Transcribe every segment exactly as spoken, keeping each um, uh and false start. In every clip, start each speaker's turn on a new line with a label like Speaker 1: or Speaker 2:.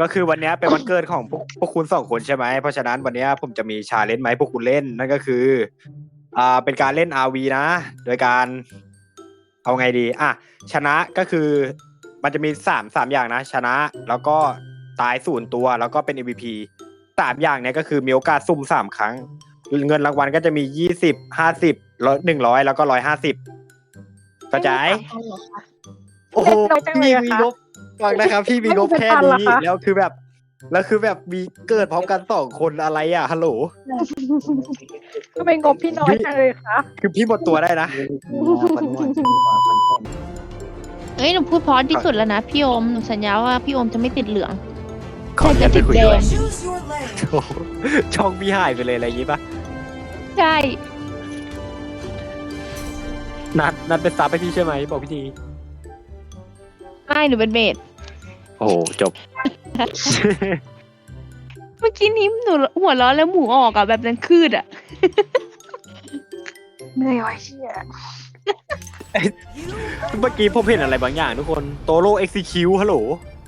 Speaker 1: ก็คือวันนี้เป็นวันเกิดของพวกพวกคุณสองคนใช่ไหมเพราะฉะนั้นวันนี้ผมจะมีชาเลนจ์ไหมาให้พวกคุณเล่นนั่นก็คืออ่าเป็นการเล่น อาร์ วี นะโดยการเอาไงดีอ่ะชนะก็คือมันจะมีสามสามอย่างนะชนะแล้วก็ตายศูนย์ตัวแล้วก็เป็น เอ็ม วี พี สามอย่างเนี้ยก็คือมีโอกาสสุ่มสามครั้งเงินรางวัลก็จะมียี่สิบห้าสิบร้อยหนึ่งร้อยแล้วก็ร้อยห้าสิบเข้าใจโอ้โหพี่มีงบฟังนะครับพี่มีงบแค่นี้แล้วคือแบบแล้วคือแบบมีเกิดพร้อมกันสองคนอะไรอ่ะฮัลโหล
Speaker 2: ก็เป็นงบพี่น้อยจังเลยค่ะ
Speaker 1: คือพี่หมดตัวได้นะ
Speaker 3: เอ้ยหนูพูดเพราะที่สุดแล้วนะพี่โอมหนูสัญญาว่าพี่โอมจะไม่ติดเหลือง
Speaker 1: ขออนุญาตไปคุยด้วย
Speaker 3: แต่จะติดแดง
Speaker 1: โอ้โหช่องพี่หายไปเลยอะไรอย่างงี้ปะ
Speaker 3: ใช่
Speaker 1: นัดนัดเป็นซับให้พี่ใช่ไหมบอกพี่ที
Speaker 3: ไม่หนูเป็นเบส
Speaker 1: โอ้โหจบ
Speaker 3: เมื่อกี้นี้หนูหัวเร้อนแล้วหมูออกอ่ะแบบนั้นคืดอ่ะ
Speaker 2: เหนื่อยว่ะเชี่ย
Speaker 1: เมื่อกี้ผมเห็นอะไรบางอย่างทุกคนโตโร่เอ็กซิคิวฮัลโหล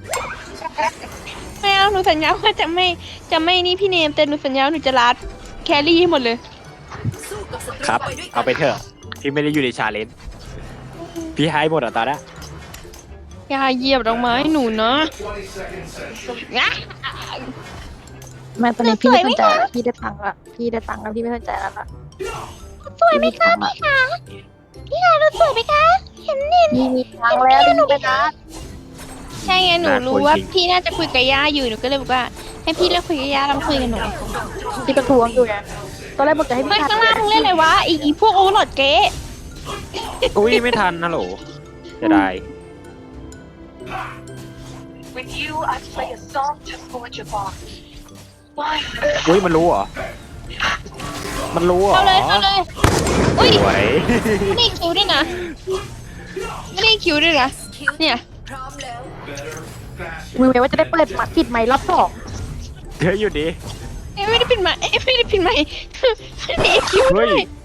Speaker 3: ไม่เอาหนูสัญญาว่าจะไม่จะไม่นี่พี่เนมแต่หนูสัญญาว่าหนูจะรัดแครี่ให้หมดเลย
Speaker 1: ครับ เอาไปเถอะที่ไม่ได้อยู่ในชาเลนจ์พี่ให้หมดอ่ะตอนนี้
Speaker 3: อย่าเหยียบดอกไม้หนูนะงะ
Speaker 2: แม่ตอนนี้พี่ไม่สนใจแล้วพี่ได้ตังค์ละพี่ได้ตังค์แล้วพี่ไม่สนใจแล้วล่ะ
Speaker 3: สวยไหมคะพี่คะพี่คะเราสวยไหมคะเห็นเห็น
Speaker 2: พี่มีตังค์แล้วหนูไปนะ
Speaker 3: ใช่ไงหนูรู้ว่าพี่น่าจะคุยกับย่าอยู่หนูก็เลยบอกว่าให้พี่เลิกคุยกับย่าแล้วมาคุยกับหนู
Speaker 2: พี่ประท้วงอยู่ไงตอนแรกบอกจะให้
Speaker 3: ไม่
Speaker 2: พี่
Speaker 3: ข้างล่างมึงเล่นอะไรวะอีอีพวกโอเวอร์โหลดเก๊
Speaker 1: อุ้ยไม่ทันฮัลโหลจะได้
Speaker 4: With you, I play a song to Portugal. Why?
Speaker 1: อุ้ยมันรู้เหรอ มันรู้เหรอ
Speaker 3: เข้าเลยเข้าเลยอุ้ย
Speaker 1: สวย
Speaker 3: ไม่ได้คิวด้วยนะไม่ได้คิวด้วยนะเนี่ย
Speaker 2: มือไว้ว่าจะได้เปิดหมัดปิดไมค์รอบสอง
Speaker 1: เดี๋ยวอยู่ดิ
Speaker 3: เอ้ยไม่ได้ปิดไมค์เอ้ยไม่ได้ปิดไมค์ไม่ได้คิวด้
Speaker 1: เฮ้
Speaker 3: วย ย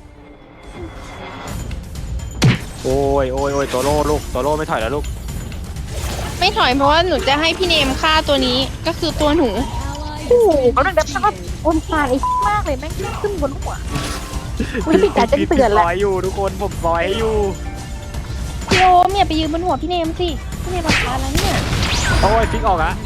Speaker 1: โอ้ยโอ้ยโอ้ยโตโร่ลูกโตโร่ไม่ถอยแล้วลูก
Speaker 3: ไม่ถอยเพราะว่าหนูจะให้พี่เนมฆ่าตัวนี้ก็คือตัวหนู
Speaker 2: โอ้โหเขาดังแบบว่าคนฟานไอ้มากเลยแม่งขึ้นบนหัวคุณปิดการแจ้งเตือน
Speaker 1: ซ
Speaker 2: แล้ว
Speaker 1: อยอยู่ทุกคนผมซอยให้อยู่
Speaker 3: พี่โอมอย่าไปยืนบนหัวพี่เนมสิพี่เนมราคาแล้วเนี่ย
Speaker 1: โอ้ยฟิกออกอะ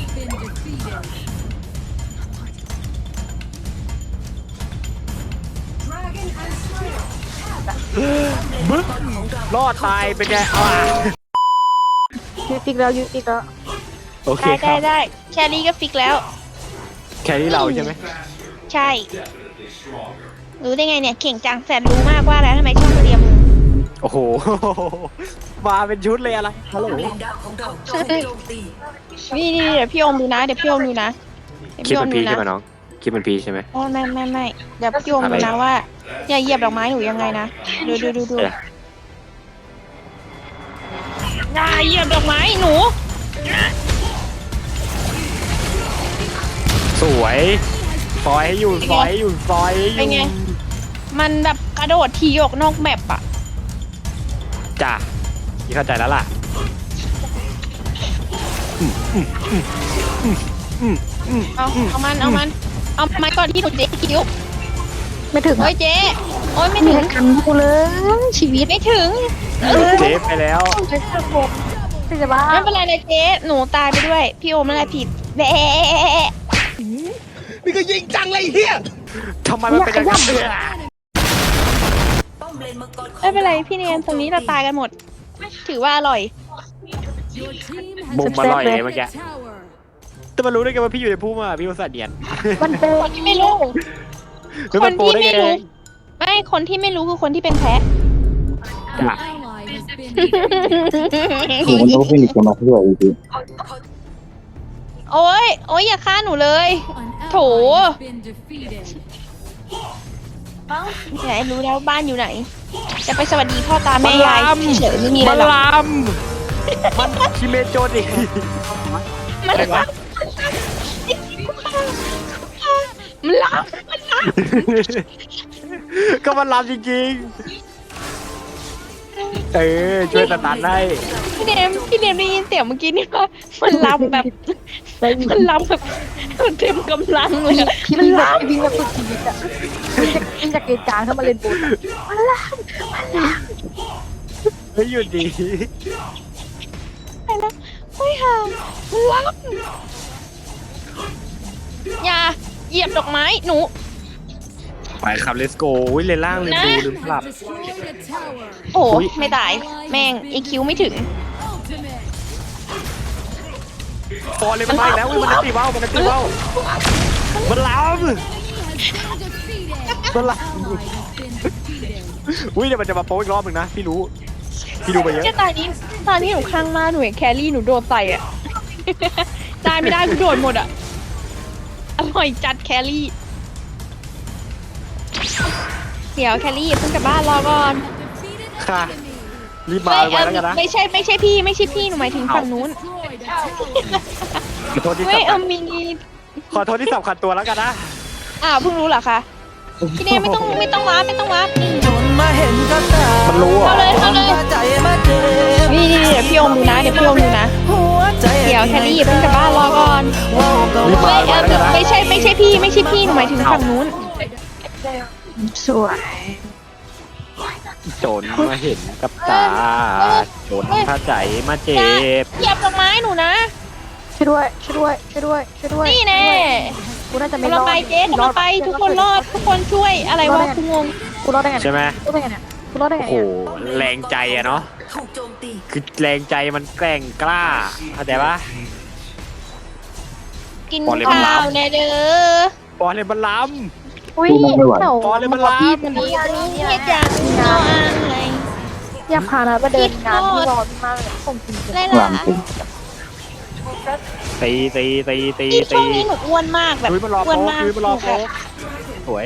Speaker 1: บึ๊กรอดตายเป็นไงอ่ะ
Speaker 2: ยูติกแล้วยูติกแล้ว
Speaker 1: โอเค
Speaker 3: ได้
Speaker 1: ค
Speaker 3: ได้
Speaker 1: รับ
Speaker 3: ได้แครี่ก็ฟิกแล้ว
Speaker 1: แค่นี้เราใช่ไหม
Speaker 3: ใช่ รู้ได้ไงเนี่ยเก่งจังแสนรู้มากว่าแล้วทำไมช่องเรียม
Speaker 1: โอ้โห มาเป็นชุดเลยอะไรฮัลโหล
Speaker 3: นี่นี่เดี๋ยวพี่โอมดูนะเดี๋ยวพี่โอมดูนะเดี๋ยว
Speaker 1: คิด
Speaker 3: พี่โอ
Speaker 1: เป็
Speaker 3: ม
Speaker 1: น
Speaker 3: ดู
Speaker 1: พี
Speaker 3: นะ
Speaker 1: ใช่ไหมน้องคิดเป็นพีใช่ไหม
Speaker 3: โอ้ไม่ไม่ไม่เดี๋ยวพี่โอมดูนะว่าอย่าเหยียบดอกไม้หนูยังไงนะดูดูดูดู
Speaker 1: เออ
Speaker 3: อย่าเหยียบดอกไม้หนู
Speaker 1: สวยซอยให้อยู่ซอยให้อยู่ซอยให้อ
Speaker 3: เป็นไง
Speaker 1: ยู่
Speaker 3: มันแบบกระโดดทีออกนอกแมปอะ
Speaker 1: จ้ะพี่เข้าใจแล้วล่ะ
Speaker 3: เอาเอามันเอามันเอาไม้ก่อนที่หนูเจ๊คิ้ว
Speaker 2: ไม่ถึง
Speaker 3: โอ้ยเจ๊โอ้ยไม่
Speaker 2: มี
Speaker 3: ถึง
Speaker 2: ใครกันกูเลยชีวิต
Speaker 3: ไม่ถึง
Speaker 1: เจ๊ไปแล้ว
Speaker 2: จะเชื่อผมจะบ้า
Speaker 3: ไม่เป็นไรเลยเจ๊หนูตายไปด้วยพี่โอมนั่นแหละผิดแบะ
Speaker 1: นี่ก็ยิงจังเลยเฮียทำไมมันเป็นอย่างนั้นเนี่ย
Speaker 3: ไม่เป็นไรพี่เนียนตรงนี้เราตายกันหมด ถือว่าอร่อย
Speaker 1: มุมอร่อยเลยเมื่อกี้แต่มันรู้ได้ไงว่าพี่อยู่ในพุ่มอ่ะพี่อุตส่าห์เนียน
Speaker 2: มันเป็น
Speaker 3: คนที่ไม่รู้
Speaker 1: แล้ว
Speaker 3: ค
Speaker 1: มัน
Speaker 3: น
Speaker 1: โปร
Speaker 3: ที่
Speaker 1: ได้
Speaker 3: ไม่
Speaker 1: ไง
Speaker 3: รู้ไม่คนที่ไม่รู้คือคนที่เป็นแพ้
Speaker 1: จ้ะ
Speaker 5: หนูมันต้องเป็นอีกคนมาด้วยจริง
Speaker 3: โอ้ยโอ้ยอย่าฆ่าหนูเลย โถไหนรู้แล้วบ้านอยู่ไหน จะไปสวัสดีพ่อตาแม่ยายเฉยๆไม่มีอะไร
Speaker 1: มัน
Speaker 3: หรอก
Speaker 1: ลำมันคิเมโจดิ
Speaker 3: มัน
Speaker 1: อะไรวะ
Speaker 3: มันล้
Speaker 1: ก็มันลำจริงๆ เออช่วยสตาร์ทได้
Speaker 3: ำพี่เดมพี่เดมได้ยินเสียงเมื่อกี้นี่ว่ามันล้ำแบบ
Speaker 2: ได้ยิน
Speaker 3: มันล้ำแบบมันเต็มกำลังเลยอะ
Speaker 2: พี่
Speaker 3: มัน
Speaker 2: วิ่งแบบ
Speaker 3: ล้ำ
Speaker 2: วิ่งแบบสุดชีวิตอะวิ่งจากวิ่งจากเกณฑ์กลางเข้ามาเล่นบนอะมันล่างมันล่าง
Speaker 1: เฮ้ยหยุดดี
Speaker 3: ไปแล้วเฮ้ยห่ามันล้ำอย่าเหยียบดอกไม้หนู
Speaker 1: ไปครับเลสโก้ยเลนล่างลืมดูลืมปรับ
Speaker 3: โอ้
Speaker 1: อุ๊ย
Speaker 3: ไม่ตาย แม่งอีคิวไม่ถึง
Speaker 1: ฟอร์เลยมันมาอีกแล้วอุ๊ยมันจะตีว่าวมันจะตีว่าวมันล้ำมันล้ำอุ้ยเดี๋ยวมันจะมาโป๊อีกรอบหนึ่งนะพี่รู้พี่ดูไปเยอะ
Speaker 3: เนี่ยตอนนี้ตอนนี้หนูข้างมากหนูเห็นแครี่หนูโดนใส่อะ ตายไม่ได้กูโดนหมดอะอร่อยจัดแครี่เดี๋ยวแครี่อย่าเพิ่งกลับบ้านรอก่อน
Speaker 1: ค่ะรีบมาไว้แล้วกันนะ
Speaker 3: ไม่ใช่ไม่ใช่พี่ไม่ใช่พี่หนูหมายถึงฝั่งนู้น
Speaker 1: ขอโทษที่
Speaker 3: เฮ้ย
Speaker 1: สำ
Speaker 3: เอ
Speaker 1: คั
Speaker 3: อ
Speaker 1: ญ
Speaker 3: มี
Speaker 1: ขอโทษที่สำคัญตัวแล้วกันนะ
Speaker 3: อ้าวเพิ่งรู้เหรอคะพี่เนยไม่ต้องไม่ต้องว้าร์ปไม่ต้องว้าร์ปนี่
Speaker 1: มันรู้อ่ะ
Speaker 3: เข้าเลยเข้าเลยนี่นี่เดี๋ยวพี่อมดูนะเดี๋ยวพี่อมดูนะเดี๋ยวแครี่อย่าเพิ่งกลับบ้านรอก่อน
Speaker 1: รีบมา
Speaker 3: เฮ้ยเอ
Speaker 1: ไว้
Speaker 3: อ
Speaker 1: แล้วกันนะ
Speaker 3: ไม่ใช่ไม่ใช่พี่ไม่ใช่พี่หนูหมายถึงฝั่งนู้น
Speaker 2: สวย
Speaker 1: โจรมาเห็นกับตาโจรถ้าใจมาเจ็บ
Speaker 3: เหยียบดอกไม้หนูนะ
Speaker 2: ช่วยด้วยช่วยด้วยช่วยด้วยช่วยด้วย
Speaker 3: นี่แน่
Speaker 2: กูน่าจะไม่
Speaker 3: กำ
Speaker 2: ร
Speaker 3: ลัง
Speaker 2: อด
Speaker 3: ไปเจ๊กำลังไปทุกคนรอดทุกคนช่วยอะไรวะกูงง
Speaker 2: กูรอดได้ไง
Speaker 1: ใช่ไหม
Speaker 2: กูรอดได้ไงเนี่ยกูรอดได้ไง
Speaker 1: โอ้โห
Speaker 2: เนี่ย
Speaker 1: แรงใจอะเนาะคือแรงใจมันแกร่งกล้าเข้าใจปะ
Speaker 3: กิน
Speaker 1: บอลเลยมัน
Speaker 3: ข้า
Speaker 1: ล้ำ
Speaker 3: วแน่เด้อ
Speaker 1: บอลเลยมันล้
Speaker 2: อุ้ย
Speaker 1: บอลเลยมันล้ำ
Speaker 2: พี่มันนี่
Speaker 3: นี่จังนออะไร
Speaker 2: อยากพานะไปเดินงานที่รอพี่มากเลยส่งจริง
Speaker 3: ไร
Speaker 5: หลั
Speaker 3: ล่ะ
Speaker 5: งปุ๊บ
Speaker 1: ตีตีตีตี
Speaker 3: ที่ช่
Speaker 1: ตี
Speaker 3: วงนี้หนูอ้วนมากแบบ
Speaker 1: ยุ้ยมันรอ
Speaker 3: อ้วน
Speaker 1: โป๊ก
Speaker 3: มาก
Speaker 1: ยุ้ยมันรอโป๊กสวย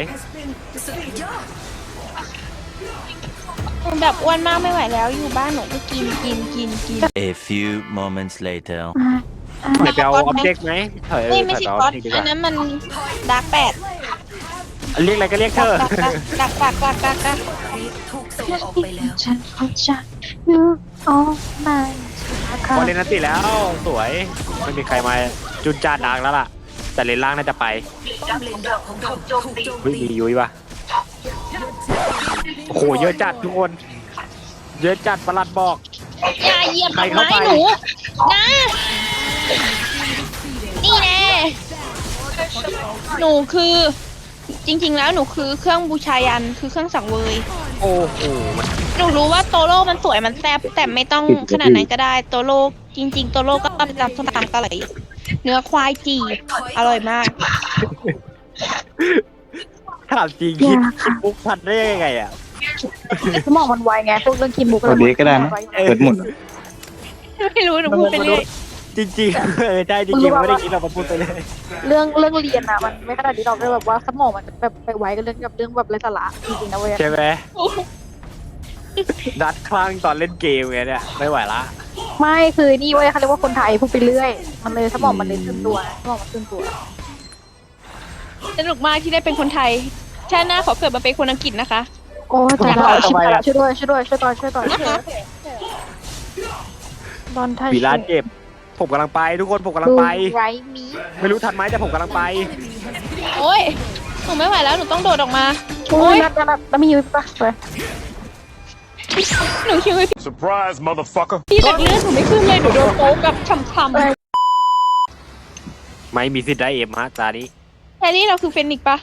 Speaker 3: หนูแบบอ้วนมากไม่ไหวแล้วอยู่บ้านหนูก็กินกินกินกิน
Speaker 6: A few moments later.
Speaker 1: เดี๋ยวไปเอาออบเจกต์ไหมเฮ้ย
Speaker 3: เอ้ยไม่
Speaker 1: ถ่าย
Speaker 3: ใช่
Speaker 1: เอา
Speaker 3: ก๊อต
Speaker 1: จริงดีก
Speaker 3: อั
Speaker 1: ว่าน
Speaker 3: นั้นมันดาร์กแปด
Speaker 1: เรียกอะไรก็เรียกเธอ
Speaker 3: ดักดักดักดักดัก
Speaker 2: ฉันเขาจะยูออมา
Speaker 1: บอลเลนนันติแล้วสวยไม่มีใครมาจุนจานดังแล้วล่ะ แต่เลนล่างน่าจะไป
Speaker 4: ดักของเราถูกโจมตี
Speaker 1: เฮ้ยมียุ้ยปะโอ้โหเยอะจัดทุกคน เยอะจัดประหลัดบอก
Speaker 3: อย่าเหยียบ
Speaker 1: ใคร
Speaker 3: ดอก
Speaker 1: เข้า
Speaker 3: ไม้
Speaker 1: ไป
Speaker 3: หนูนะนี่แน่หนูคือ จริง ๆ แล้วหนูคือเครื่องบูชายันคือเครื่องสังเวย
Speaker 1: โอ้โหมัน
Speaker 3: หนูรู้ว่าโตโร่มันสวยมันแซ่บแต่ไม่ต้องขนาดนั้นก็ได้โตโร่จริง ๆ โตโร่ก็ตำส้มตำกะไหลเนื้อควายจีบอร่อยมาก
Speaker 1: ถามจริงคิดคิดมุกทันได้ยังไงอ่ะ
Speaker 2: สมองมันไวไงพวกเรื่องกินมุก
Speaker 5: ตัวนี้ก็ได้นะเปิดหมด
Speaker 3: ไม่รู้หนูพูดไปเรื่อย
Speaker 1: จริงๆเออใช่จริงๆไม่ได้คิดเรามาพูดไปเลย
Speaker 2: เรื่องเรื่องเรียนอะมันไม่ขนาดนี้เราได้แบบว่าสมองมันแบบไปไวกับเรื่องกับเรื่องแบบไร้สาระจริงๆนะเว้ย
Speaker 1: ใช่ไหมดัดคลั่งตอนเล่นเกมไงเนี่ยไม่ไหวละ
Speaker 2: ไม่คือนี่เว้ยเขาเรียกว่าคนไทยพูดไปเรื่อย มันเลยสมองมันเลยตื่นตัวสมองมันตื่นตัว
Speaker 3: สนุกมากที่ได้เป็นคนไทยชาติหน้าขอเกิดมาเป็นคนอังกฤษนะคะ
Speaker 2: โอ้ยตายแล้วช่วยด้วยช่วยด้วยช่วยต่อช่วยต่อช่วยบอลไทย
Speaker 1: วีลาเจ็บผมกำลังไปทุกคนผมกำลังไป
Speaker 2: ไรมี
Speaker 1: ไม่รู้ทันไหมแต่ผมกำลังไป
Speaker 3: โอ้ยหนูไม่ไหวแล้วหนูต้องโดดออกมา
Speaker 2: โอ้ยนัดนัดแล้วมีอยู่ปะไป
Speaker 3: หนูคิดว่า
Speaker 6: Surprise, motherfucker.
Speaker 3: พี่แต่เลือดหนูไม่ขึ้นเลยหนูโดนโป๊กกับช่ำ
Speaker 1: ไม่มีสิทธิ์ได้เอ็มฮะตานี้
Speaker 3: ๆแครี่เราคือเฟนิกซ์ปะ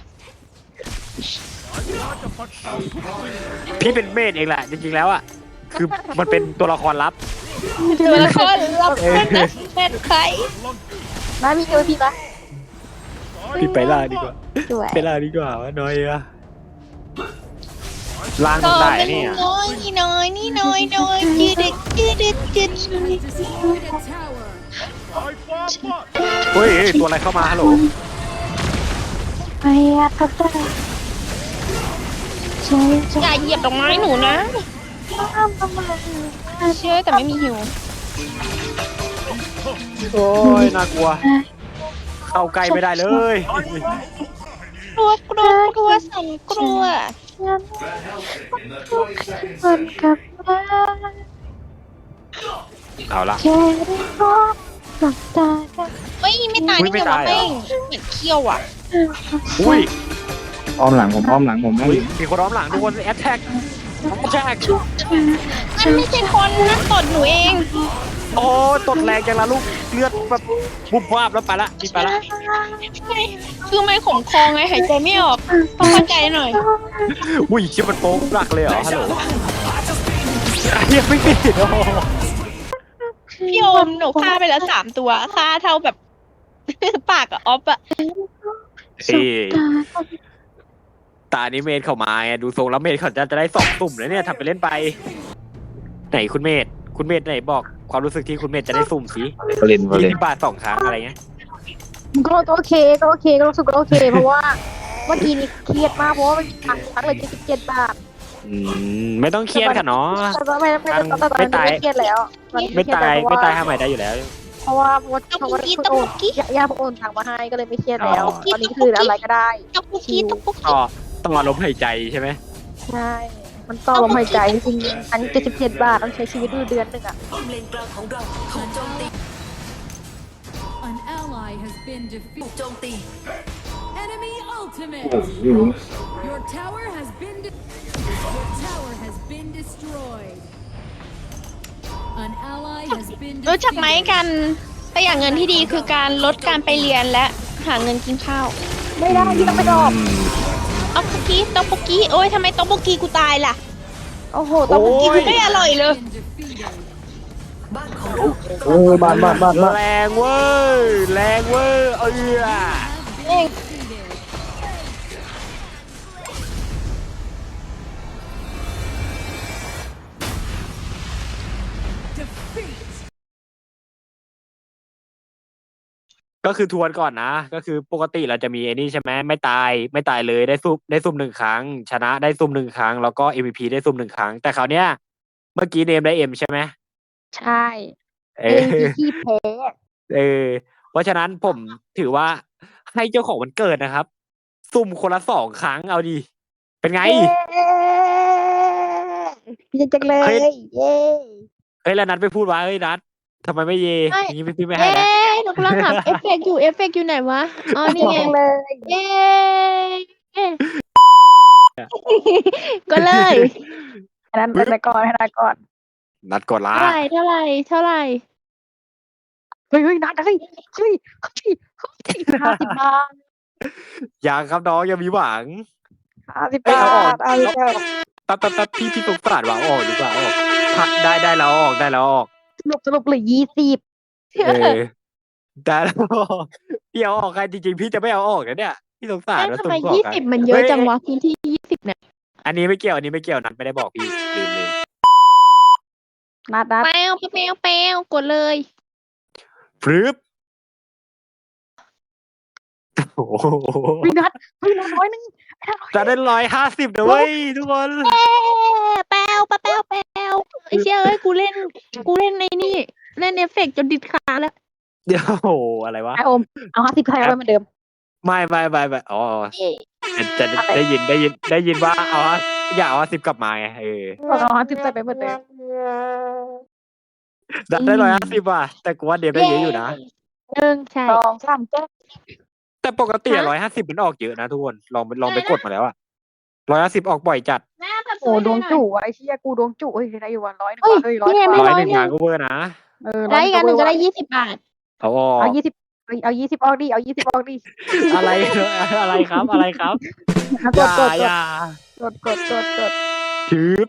Speaker 1: พี่เป็นเมดเองแหละจริงๆแล้วอ่ะคือมันเป็นตัวละครลับ
Speaker 3: ตัวละครรับเป็นนะเป็นใคร
Speaker 2: น้ามีอยู่พี่ปะ
Speaker 1: พี่ไปล่าดีกว่า
Speaker 2: สวย
Speaker 1: ไปล่าดีกว่าวะน้อยอะล้าง
Speaker 3: ก็
Speaker 1: ได้
Speaker 3: เป็น
Speaker 1: เนี่ย
Speaker 3: น้อยนี่น้อยนี่น้อยน้อยจืดจืดจืดจืด
Speaker 1: เฮ้ยเฮ้ยตัวอะไรเข้ามาฮัลโหล
Speaker 2: ไอ้อะทับได้ใช่ใช่
Speaker 3: อย่าเหยียบดอกไม้หนูนะ
Speaker 2: ทำทำไม
Speaker 3: เชื่อแต่ไม่มีหิว
Speaker 1: โอ้ยน่ากลัว เข้าใกล้ไม่ได้เลย
Speaker 3: กลัวกลัวกลัวสั่นกลัว
Speaker 2: ฉันมันกับมา
Speaker 1: เอาละ
Speaker 2: แค่ได้พบกับตากัน
Speaker 3: เฮ้ยไม่ตาย
Speaker 1: อุ๊ย
Speaker 3: นี่ไง
Speaker 1: ไม่ตา
Speaker 3: วะ
Speaker 1: ยเหรอ
Speaker 3: แม่งเหมือนเขี้ยวอ่ะ
Speaker 1: อุ้ย
Speaker 5: อ้อมหลังผมอ้อมหลังผมอ้อม
Speaker 1: อุ้ยมีคนร้อมหลังทุกคนแอตแทกแอตแทก
Speaker 3: นั่นไม่ใช่คนนะตดหนูเอง
Speaker 1: โอ้ตดแรงจังละลูกเลือดแบบบุบวาบแล้วไปละมีไปละ
Speaker 3: คือไม่ขมคอไงหายใจไม่ออกต้องเข้าใจหน่อย
Speaker 1: อุ้ยชิบมันโป๊กหลักเลยเหรอฮัลโหลยังไม่ปิดโอ้
Speaker 3: พี่โอมหนูฆ่าไปแล้วสามตัวฆ่าเท่าแบบ ปากกับออฟอะ
Speaker 1: เฮ้ยตานี้เมดเข้ามาไงดูทรงแล้วเมดเขาจะจะได้สองสุ่มแล้วเนี่ยทำไปเล่นไป ไหนคุณเมดคุณเมดไหนบอกความรู้สึกที่คุณเมดจะได้สุ่มสิ
Speaker 5: วอลเลนวอลเล
Speaker 1: ยี่
Speaker 5: น
Speaker 1: สิบบาทสองครั้งอะไรเงี้ย
Speaker 2: ก็โอเคก็โอเคก็รู้สึกก็โอเคเพราะว่าเมื่อกี้นี้เครียดมากเพราะว่ามันตังค์ทั้งเลยเจ็ดสิบเจ็ดบาท
Speaker 1: อืมไม่ต้องเครียดค่ะเนาะ
Speaker 2: แต่ว่าไม่ไม่ไม่ตอนนี้ไม่เครียดแล้วตอนนี้
Speaker 1: ไม่ตาย
Speaker 2: เครี
Speaker 1: ไม่
Speaker 2: ด
Speaker 1: ตาย
Speaker 2: แล้ว
Speaker 1: ทำใหม่ได้อยู่แล้ว
Speaker 2: เพราะว่าเพราะว่าเพราะว่าคุณโอนย่าพวกโอนตังค์มาให้ก็เลยไม่เครียดแล้ว
Speaker 1: อ๋อ
Speaker 2: ตอนนี้คืออะไรก็ได้
Speaker 3: ตกปุกกี้ตกปุก
Speaker 1: ต่
Speaker 3: กี้
Speaker 1: อต้องมาลมหายใจใช่ไหม
Speaker 2: ใช่ มันต่อลมหายใจจริงๆอันเจ็ดสิบเจ็ดบาทต้องใช้ชีวิตอยู่เดือนหนึ่งอ่ะ
Speaker 7: An ally has been defeated. Enemy ultimate. Your tower has been de- Your tower has been destroyed. An ally has been
Speaker 3: รู้จักไหม
Speaker 7: defeated.
Speaker 3: กันประหยัดเงินที่ดีคือการลดการไปเรียนและหาเงินกินข้าว
Speaker 2: ไม่ได้ที่ต้องไปดอก
Speaker 3: เอาปุกกี้ตกปุกกี้โอ้ยทำไมตกปุกกี้กูตายล่ะ
Speaker 2: โอ้โหต้อง
Speaker 1: โอ้
Speaker 3: กิน
Speaker 1: ย
Speaker 3: ไม่อร่อยเลย
Speaker 7: Been defeated.
Speaker 5: โอ้ยบ้านบ้านบ้านบ้าน
Speaker 1: แรงเว้ยแรงเว้ยเออ
Speaker 7: Have been defeated.
Speaker 1: ก็คือทวนก่อนนะ ก็คือปกติเราจะมีไอ้นี่ใช่ไหมไม่ตายไม่ตายเลยได้ซุ่มได้ซุ่มหนึ่งครั้ง ชนะได้ซุ่มหนึ่งครั้ง แล้วก็ เอ็ม วี พี ได้ซุ่มหนึ่งครั้ง แต่คราวเนี้ยเมื่อกี้เนมได้เอ็มใช่ไหม
Speaker 2: ใช่
Speaker 1: เอ
Speaker 2: เอ
Speaker 1: อ
Speaker 2: งที่แพ้
Speaker 1: เออ เพราะฉะนั้นผมถือว่าให้เจ้าของวันเกิดนะครับ ซุ่มคนละสองครั้งเอาดี เป็นไง
Speaker 2: พี่จังเลย
Speaker 1: เฮ้ย
Speaker 2: เย้
Speaker 1: เฮ้ยแล้วนัดไปพูดว่าเฮ้ยนัดทำไมไม่เย
Speaker 3: ไม่
Speaker 1: อย่างนี้พี่ไม่ให้
Speaker 3: เอ๊
Speaker 1: แล้ว
Speaker 3: ะหนูกำลังหาเอฟเฟกต์อยู่เอฟเฟกต์อยู่ไหนวะอ๋อนี่ไง
Speaker 2: จังเลย
Speaker 3: เย้ก็เลย
Speaker 2: อันนั้นเป็นก่อนให้นาก่อน
Speaker 1: นัดกดละ
Speaker 3: เท่าไหร่เท่าไหร่เท่าไหร่
Speaker 2: เฮ้ยเฮ้ยนัดเฮ้ยเฮ้ยเฮ้ยเฮ้ยห้าสิบบาท
Speaker 1: ยังครับน้องยังมีหวัง
Speaker 2: ห้าสิบ
Speaker 1: เอ้ย
Speaker 2: บา
Speaker 1: เอาออก
Speaker 2: ทเอาอีกแล้ว
Speaker 1: แป๊บแป๊บแป๊บพี่พี่สงสารว่าเอาออกดีกว่าเอาออกพักได้ได้แล้วเอาออกได้แล้วเอาออก
Speaker 2: สรุปสรุปเหลือยี่สิบ
Speaker 1: เออได้แล้วเอาออกพี่เอาออกใครจริงๆพี่จะไม่เอาออกนะเนี่ยพี่สงสาร
Speaker 3: เอ๊ะ
Speaker 1: นะ
Speaker 3: ทำไม
Speaker 1: สงสาร
Speaker 3: ยี่
Speaker 1: กัน
Speaker 3: สิบมันเยอะจังวะพื้นที่ยี่สิบเนี่ย
Speaker 1: อันนี้ไม่เกี่ยวอันนี้ไม่เกี่ยวนัดไม่ได้บอกพี่ลืมลืม
Speaker 2: นัดนัด
Speaker 3: แปวแปวแปวกดเลย
Speaker 1: ฟรึบโอ้โห
Speaker 2: เฮ้ยนัดเฮ้ยนัดร้อยหนึง
Speaker 1: จะได้ร้อยห้าสิบนะเว้ยทุกคน
Speaker 3: เอ๊ะแปวแปวแปวแปวไอ้เชี่ยเอ้ยกูเล่นกูเล่นในนี่เล่นเอฟเฟกต์จนดิดขาแล้ว
Speaker 1: เดี๋ยวโอ้โหอะไรวะ
Speaker 2: ไอโอมเอาห้าสิบใครเอาไปเหมือนเดิม
Speaker 1: ไม่ไม่ไม่ไม่อ๋อ
Speaker 3: เอ๊ะ
Speaker 1: จะจะได้ยินได้ยินได้ยินว่าเอาอยากเอาสิบกลับมาไงเออ
Speaker 2: เอาห้าสิบใส่ไปเหมือนเดิม
Speaker 1: ได้ได้ร้อยห้าสิบว่ะแต่กูว่าเดฟได้เยอะอยู่นะ
Speaker 2: หนึ่ง
Speaker 3: ใช่
Speaker 2: สองสามเจ็ด
Speaker 1: แต่ปกติร้อยห้าสิบมันออกเยอะนะทุกคนลองไปลองไปกดมาแล้วอะร้อยห้าสิบออกบ่อยจัด
Speaker 2: โอ้ดวงจู่ไอ้เชี่ยกูดวงจู่เฮ้ยได้อยู่วันร้อยหนึ่ง
Speaker 3: เฮ้ย
Speaker 2: เฮ้ยร้อย
Speaker 3: นี่ไง
Speaker 2: ก
Speaker 3: ไม่
Speaker 2: ว่า
Speaker 1: ร้อยหนึ่งงานก็เวอร์นะ
Speaker 2: เออ
Speaker 3: ได้อีกอันหนึ่งก็ได้ยี่สิบบาท
Speaker 1: เอาออก
Speaker 2: เอายี่สิบเอายี่สิบออกดิเอายี่สิบออกดิ
Speaker 1: อะไรอะไรครับอะไรครับ
Speaker 2: อ่ะ
Speaker 1: อก
Speaker 2: ด
Speaker 1: ย่าก
Speaker 2: ดก
Speaker 1: อย่า
Speaker 2: ดกดกดกด
Speaker 1: ชืบ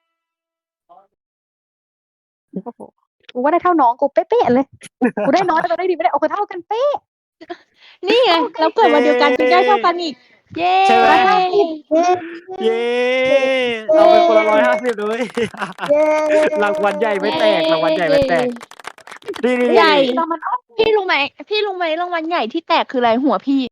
Speaker 2: โอ้โหกูว่าได้เท่าน้องกูเป๊ะๆเลยกูได้น้อยแต่ได้ดีไม่ได้โอเคเท่ากันเป๊ะ
Speaker 3: นี่ไงเราเกิดมาเดียวกันจึงได้เท่ากันอีก เย้
Speaker 1: ใช่ไหม
Speaker 2: เย้
Speaker 1: เย้เราเป็นคนละร้อยห้าสิบเลย
Speaker 2: เย้
Speaker 1: รางวัลใหญ่ไม่แตกรางวัลใหญ่ไม่แตกนี่นี่
Speaker 3: ใหญ่
Speaker 2: ตอนมันออก
Speaker 3: พี่รู้ไหมพี่รู้ไหมรางวัลใหญ่ที่แตกคืออะไรหัวพี่